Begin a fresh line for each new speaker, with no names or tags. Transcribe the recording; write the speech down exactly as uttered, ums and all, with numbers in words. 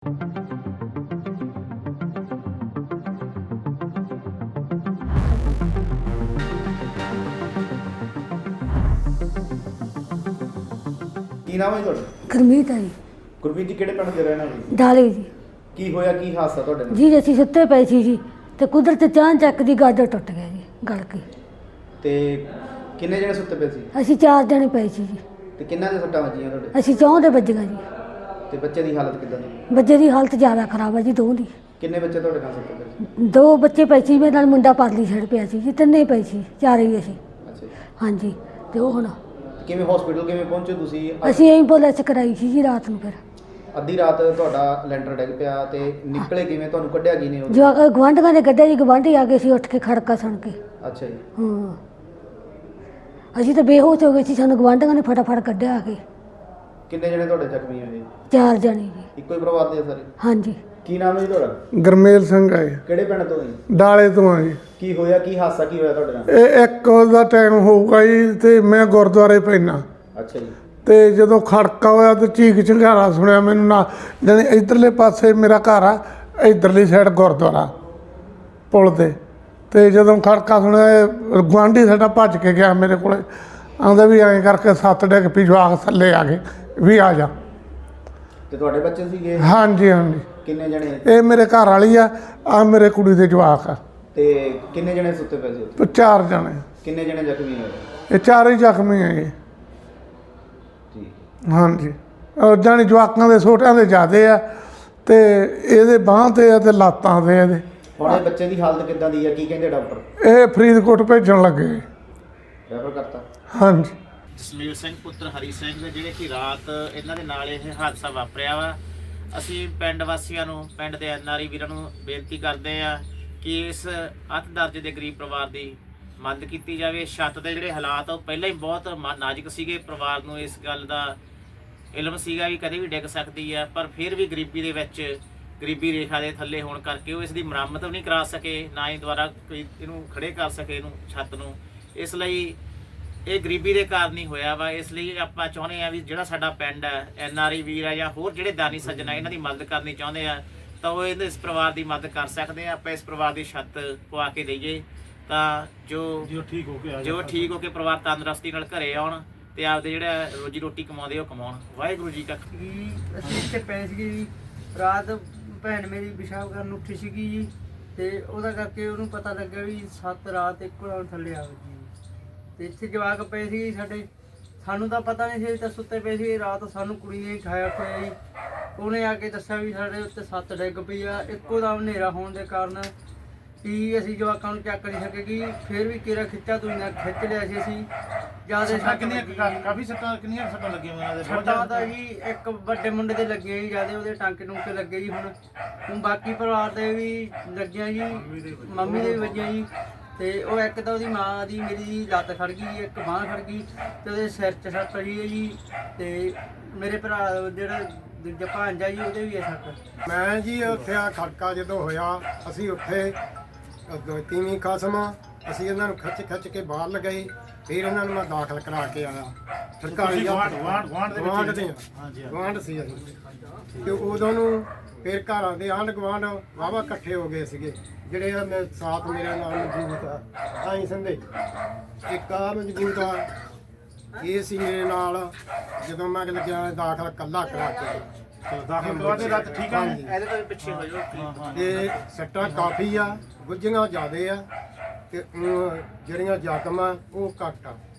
ਕੀ ਨਾਮ ਹੈ ਤੁਹਾਡਾ?
ਗੁਰਮੀਤ ਹੈ ਜੀ।
ਗੁਰਮੀਤ ਜੀ ਕਿਹੜੇ ਪਿੰਡ ਦੇ ਰਹਿਣ ਵਾਲੇ?
ਡਾਲੇ ਜੀ।
ਕੀ ਹੋਇਆ, ਕੀ ਹਾਦਸਾ ਤੁਹਾਡੇ ਨਾਲ?
ਜੀ ਅਸੀਂ ਸੁੱਤੇ ਪਏ ਸੀ ਜੀ ਤੇ ਕੁਦਰਤ ਚਾਂ ਚੱਕ ਦੀ ਗਾਜਰ ਟੁੱਟ ਗਿਆ ਜੀ, ਗਲ ਕੇ।
ਤੇ ਕਿੰਨੇ ਜਣੇ ਸੁੱਤੇ ਪਏ ਸੀ?
ਅਸੀਂ ਚਾਰ ਜਣੇ ਪਏ ਸੀ ਜੀ।
ਤੇ ਕਿੰਨਾਂ ਦੇ ਸੱਟਾਂ ਵੱਜੀਆਂ ਤੁਹਾਡੇ?
ਅਸੀਂ ਚੌਂ ਦੇ ਵੱਜੀਆਂ ਜੀ।
ਤੇ ਬੱਚੇ ਦੀ ਹਾਲਤ ਕਿੱਦਾਂ ਦੀ?
ਬੱਚੇ ਦੀ ਹਾਲਤ ਜ਼ਿਆਦਾ ਖਰਾਬ ਹੈ ਜੀ, ਦੋ ਦੀ।
ਕਿੰਨੇ ਬੱਚੇ ਤੁਹਾਡੇ ਨਾਲ ਸੁੱਤੇ ਪਏ ਸੀ?
ਦੋ ਬੱਚੇ ਪਏ ਸੀ, ਮੇਰੇ ਨਾਲ ਮੁੰਡਾ ਪਰਲੀ ਸਾਈਡ ਪਿਆ ਸੀ ਜੀ, ਤਿੰਨੇ ਪਏ ਸੀ, ਚਾਰੇ ਹੀ ਅਸੀਂ।
ਅੱਛਾ ਜੀ।
ਹਾਂਜੀ। ਤੇ ਉਹ ਹੁਣ
ਕਿਵੇਂ ਹਸਪੀਟਲ ਕਿਵੇਂ ਪਹੁੰਚੇ ਤੁਸੀਂ?
ਅਸੀਂ ਐਂਬੂਲੈਂਸ ਕਰਾਈ ਸੀ ਜੀ ਰਾਤ ਨੂੰ। ਫਿਰ
ਅੱਧੀ ਰਾਤ ਤੁਹਾਡਾ ਲੈਂਟਰ ਡਿੱਗ ਪਿਆ ਤੇ ਨਿਕਲੇ ਕਿਵੇਂ? ਤੁਹਾਨੂੰ ਕੱਢਿਆ ਕੀ ਨੇ?
ਜੋ ਗਵਾਂਢੀਆਂ ਨੇ ਕੱਢਿਆ ਜੀ, ਗਵਾਂਢੀ ਆ ਗਏ ਸੀ ਉੱਠ ਕੇ ਖੜਕਾ ਸੁਣ ਕੇ।
ਅੱਛਾ ਜੀ।
ਹਾਂ, ਅਸੀਂ ਤਾਂ ਬੇਹੋਸ਼ ਹੋ ਗਏ ਸੀ, ਸਾਨੂੰ ਗਵਾਂਢੀਆਂ ਨੇ ਫਟਾਫਟ ਕੱਢਿਆ ਆ ਕੇ।
ਕਿੰਨੇ ਜਣੇ ਤੁਹਾਡੇ ਜ਼ਖਮੀ ਹੋਏ?
ਚਾਰ ਜਣੇ ਜੀ।
ਇੱਕੋ ਹੀ ਪਰਿਵਾਰ ਦੇ ਸਾਰੇ?
ਹਾਂਜੀ।
ਕੀ ਨਾਮ ਹੈ ਜੀ ਤੁਹਾਡਾ?
ਗਰਮੇਲ ਸਿੰਘ ਹੈ।
ਕਿਹੜੇ ਪਿੰਡ ਤੋਂ ਜੀ?
ਡਾਲੇ ਤੋਂ ਆ ਜੀ।
ਕੀ ਹੋਇਆ, ਕੀ ਹਾਦਸਾ ਕੀ ਹੋਇਆ ਤੁਹਾਡੇ ਨਾਲ?
ਇਹ ਇੱਕ ਦਾ ਟਾਈਮ ਹੋਊਗਾ ਜੀ ਤੇ ਮੈਂ ਗੁਰਦੁਆਰੇ ਪੈਣਾ
ਅੱਛਾ ਜੀ।
ਤੇ ਜਦੋਂ ਖੜਕਾ ਹੋਇਆ ਤੇ ਚੀਕ ਚਿੰਗਾਰਾ ਸੁਣਿਆ ਮੈਨੂੰ ਨਾ, ਜਾਣੀ ਇੱਧਰਲੇ ਪਾਸੇ ਮੇਰਾ ਘਰ ਆ, ਇੱਧਰਲੀ ਸਾਈਡ ਗੁਰਦੁਆਰਾ ਪੁਲ ਤੇ। ਤੇ ਜਦੋਂ ਖੜਕਾ ਸੁਣਿਆ ਗੁਆਂਢੀ ਸਾਡਾ ਭੱਜ ਕੇ ਗਿਆ ਮੇਰੇ ਕੋਲ, ਆਉਂਦਾ ਵੀ ਐਂ ਕਰਕੇ ਸੱਤ ਡਿੱਗ ਪਈ, ਜਵਾਕ ਥੱਲੇ ਆ ਗਏ ਵੀ ਆ ਜਾ।
ਤੇ ਤੁਹਾਡੇ ਬੱਚੇ ਸੀਗੇ?
ਹਾਂਜੀ ਹਾਂਜੀ।
ਕਿੰਨੇ ਜਣੇ?
ਇਹ ਮੇਰੇ ਘਰ ਵਾਲੀ ਆ, ਆ ਮੇਰੇ ਕੁੜੀ ਦੇ ਜਵਾਕ ਆ।
ਤੇ ਕਿੰਨੇ ਜਣੇ ਸੁੱਤੇ ਪਏ ਸੀ ਉੱਥੇ?
ਚਾਰ ਜਣੇ।
ਕਿੰਨੇ ਜਣੇ ਜ਼ਖਮੀ ਹੋਏ?
ਇਹ ਚਾਰੇ ਜ਼ਖਮੀ ਹੈਗੇ।
ਠੀਕ।
ਹਾਂਜੀ। ਜਾਣੀ ਜਵਾਕਾਂ ਦੇ ਛੋਟਿਆਂ ਦੇ ਜ਼ਿਆਦੇ ਆ ਤੇ ਇਹਦੇ ਬਾਂਹ ਤੇ ਆ ਤੇ ਲਾਤਾਂ ਤੇ ਇਹਦੇ।
ਹੁਣ ਇਹ ਬੱਚੇ ਦੀ ਹਾਲਤ ਕਿੱਦਾਂ ਦੀ ਹੈ? ਕੀ ਕਹਿੰਦੇ ਡਾਕਟਰ?
ਇਹ ਫਰੀਦਕੋਟ ਭੇਜਣ ਲੱਗੇ।
ਰੈਫਰ ਕਰਤਾ?
ਹਾਂਜੀ।
ਜਸਮੀਲ ਸਿੰਘ ਪੁੱਤਰ ਹਰੀ ਸਿੰਘ ਦੇ ਜਿਹੜੇ ਕਿ ਰਾਤ ਇਹਨਾਂ ਦੇ ਨਾਲ ਇਹ ਹਾਦਸਾ ਵਾਪਰਿਆ ਵਾ। ਅਸੀਂ ਪਿੰਡ ਵਾਸੀਆਂ ਨੂੰ, ਪਿੰਡ ਦੇ ਐਨ ਆਰ ਆਈ ਵੀਰਾਂ ਨੂੰ ਬੇਨਤੀ ਕਰਦੇ ਆ ਕਿ ਇਸ ਅੱਤ ਦਰਜੇ ਦੇ ਗਰੀਬ ਪਰਿਵਾਰ ਦੀ ਮਦਦ ਕੀਤੀ ਜਾਵੇ। ਛੱਤ ਦੇ ਜਿਹੜੇ ਹਾਲਾਤ ਉਹ ਪਹਿਲਾਂ ਹੀ ਬਹੁਤ ਨਾਜ਼ੁਕ ਸੀਗੇ। ਪਰਿਵਾਰ ਨੂੰ ਇਸ ਗੱਲ ਦਾ ਇਲਮ ਸੀਗਾ ਵੀ ਕਦੇ ਵੀ ਡਿੱਗ ਸਕਦੀ ਹੈ, ਪਰ ਫਿਰ ਵੀ ਗਰੀਬੀ ਦੇ ਵਿੱਚ, ਗਰੀਬੀ ਰੇਖਾ ਦੇ ਥੱਲੇ ਹੋਣ ਕਰਕੇ ਉਹ ਇਸ ਦੀ ਮੁਰੰਮਤ ਵੀ ਨਹੀਂ ਕਰਾ ਸਕੇ, ਨਾ ਹੀ ਦੁਬਾਰਾ ਕੋਈ ਇਹਨੂੰ ਖੜੇ ਕਰ ਸਕੇ, ਇਹਨੂੰ ਛੱਤ ਨੂੰ। ਇਸ ਲਈ ਇਹ ਗਰੀਬੀ ਦੇ ਕਾਰਨ ਹੀ ਹੋਇਆ ਵਾ। ਇਸ ਲਈ ਆਪਾਂ ਚਾਹੁੰਦੇ ਆ ਵੀ ਜਿਹੜਾ ਸਾਡਾ ਪਿੰਡ ਹੈ, ਐਨ ਆਰ ਆਈ ਵੀਰ ਆ ਜਾਂ ਹੋਰ ਜਿਹੜੇ ਦਾਨੀ ਸੱਜਣ ਆ, ਇਹਨਾਂ ਦੀ ਮਦਦ ਕਰਨੀ ਚਾਹੁੰਦੇ ਆ ਤਾਂ ਉਹ ਇਹਦੇ ਇਸ ਪਰਿਵਾਰ ਦੀ ਮਦਦ ਕਰ ਸਕਦੇ ਆ। ਆਪਾਂ ਇਸ ਪਰਿਵਾਰ ਦੀ ਛੱਤ ਪਵਾ ਕੇ ਦਈਏ ਤਾਂ ਜੋ ਜੋ ਠੀਕ ਹੋ ਕੇ ਜੋ ਠੀਕ ਹੋ ਕੇ ਪਰਿਵਾਰ ਤੰਦਰੁਸਤੀ ਨਾਲ ਘਰੇ ਆਉਣ ਤੇ ਆਪਦੇ ਜਿਹੜਾ ਰੋਜੀ ਰੋਟੀ ਕਮਾਉਂਦੇ ਉਹ ਕਮਾਉਣ। ਵਾਹਿਗੁਰੂ ਜੀ ਕਾ।
ਅਸੀਂ ਇੱਥੇ ਪਏ ਸੀਗੇ ਜੀ, ਰਾਤ ਭੈਣ ਮੇਰੀ ਪਿਸ਼ਾਬ ਕਰਨ ਉੱਠੀ ਸੀਗੀ ਜੀ, ਤੇ ਉਹਦਾ ਕਰਕੇ ਉਹਨੂੰ ਪਤਾ ਲੱਗਿਆ ਵੀ ਸੱਤ ਰਾਤ ਇੱਕੋ ਨਾਲ ਥੱਲੇ ਆ ਗਈ। ਤੇ ਇੱਥੇ ਜਵਾਕ ਪਏ ਸੀ ਸਾਡੇ, ਸਾਨੂੰ ਤਾਂ ਪਤਾ ਨਹੀਂ ਸੀ, ਤਾਂ ਸੁੱਤੇ ਪਏ ਸੀ। ਰਾਤ ਸਾਨੂੰ ਕੁੜੀ ਨੇ ਉਠਾਇਆ ਹੋਇਆ ਜੀ। ਉਹਨੇ ਆ ਕੇ ਦੱਸਿਆ ਵੀ ਸਾਡੇ ਉੱਤੇ ਸੱਤ ਡਿੱਗ ਪਈ ਆ। ਇੱਕੋ ਦਮ ਹਨੇਰਾ ਹੋਣ ਦੇ ਕਾਰਨ ਕਿ ਅਸੀਂ ਜਵਾਕਾਂ ਨੂੰ ਚੱਕ ਨਹੀਂ ਸਕੇਗੀ। ਫਿਰ ਵੀ ਕਿਹੜਾ ਖਿੱਚਾ ਤੂੰ ਨਾ ਖਿੱਚ ਲਿਆ ਸੀ ਅਸੀਂ ਜਿਆਦਾ।
ਕਿੰਨੀਆਂ ਕਾਫੀ ਸੱਟਾਂ ਕਿੰਨੀਆਂ ਸੱਟਾਂ ਲੱਗੀਆਂ ਉਹਨਾਂ ਦੇ?
ਸੱਟਾਂ ਤਾਂ ਜੀ ਇੱਕ ਵੱਡੇ ਮੁੰਡੇ ਦੇ ਲੱਗੇ ਜੀ ਜਿਆਦਾ, ਉਹਦੇ ਟਾਂਕੇ ਟੂੰਕੇ ਲੱਗੇ ਜੀ। ਹੁਣ ਹੁਣ ਬਾਕੀ ਪਰਿਵਾਰ ਦੇ ਵੀ ਲੱਗੀਆਂ ਜੀ, ਮੰਮੀ ਦੇ ਵੀ ਵੱਜੀਆਂ ਜੀ। ਤੇ ਉਹ ਇੱਕ ਤਾਂ ਉਹਦੀ ਮਾਂ ਦੀ ਮੇਰੀ ਜੀ ਲੱਤ ਖੜ ਗਈ, ਇੱਕ ਬਾਂਹ ਖੜ ਗਈ ਤੇ ਉਹਦੇ ਸਿਰ 'ਚ ਸੱਟ ਪਈ ਹੈ ਜੀ। ਤੇ ਮੇਰੇ ਭਰਾ ਜਿਹੜਾ ਦੂਜਾ ਭਾਂਜਾ ਜੀ, ਉਹਦੇ ਵੀ ਹੈ ਸੱਟ।
ਮੈਂ ਜੀ ਉੱਥੇ ਆ ਖੜਕਾ ਜਦੋਂ ਹੋਇਆ, ਅਸੀਂ ਉੱਥੇ ਤੀਵੀਂ ਕਸਮ ਅਸੀਂ ਇਹਨਾਂ ਨੂੰ ਖਿੱਚ ਖਿੱਚ ਕੇ ਬਾਹਰ ਲਗਾਈ। ਫਿਰ ਇਹਨਾਂ ਨੂੰ ਮੈਂ ਦਾਖਲ ਕਰਾ ਕੇ ਆਇਆ ਸਰਕਾਰੀ ਗਵਾਂਢ ਗਵਾਂਢ ਦੇ ਗਵਾਂਢ ਸੀ ਅਸੀਂ। ਤੇ ਉਦੋਂ ਨੂੰ ਫਿਰ ਘਰਾਂ ਦੇ ਆਂਢ ਗਵਾਂਢ ਵਾਹਵਾ ਇਕੱਠੇ ਹੋ ਗਏ ਸੀਗੇ, ਜਿਹੜੇ ਆ ਮੈਂ ਸਾਥ ਮੇਰੇ ਨਾਲ ਮੌਜੂਦ ਆ ਆਈ ਸੰਦੇ। ਇੱਕ ਆ ਮੌਜੂਦ ਆ, ਇਹ ਸੀ ਮੇਰੇ ਨਾਲ ਜਦੋਂ ਮੈਂ ਲੱਗਿਆ ਦਾਖਲ ਕੱਲਾ ਕਰਾ ਕੇ। ਤੇ ਸੱਟਾਂ ਕਾਫੀ ਆ, ਗੁੱਝੀਆਂ ਜ਼ਿਆਦੇ ਆ ਤੇ ਜਿਹੜੀਆਂ ਜ਼ਖਮ ਆ ਉਹ ਘੱਟ ਆ।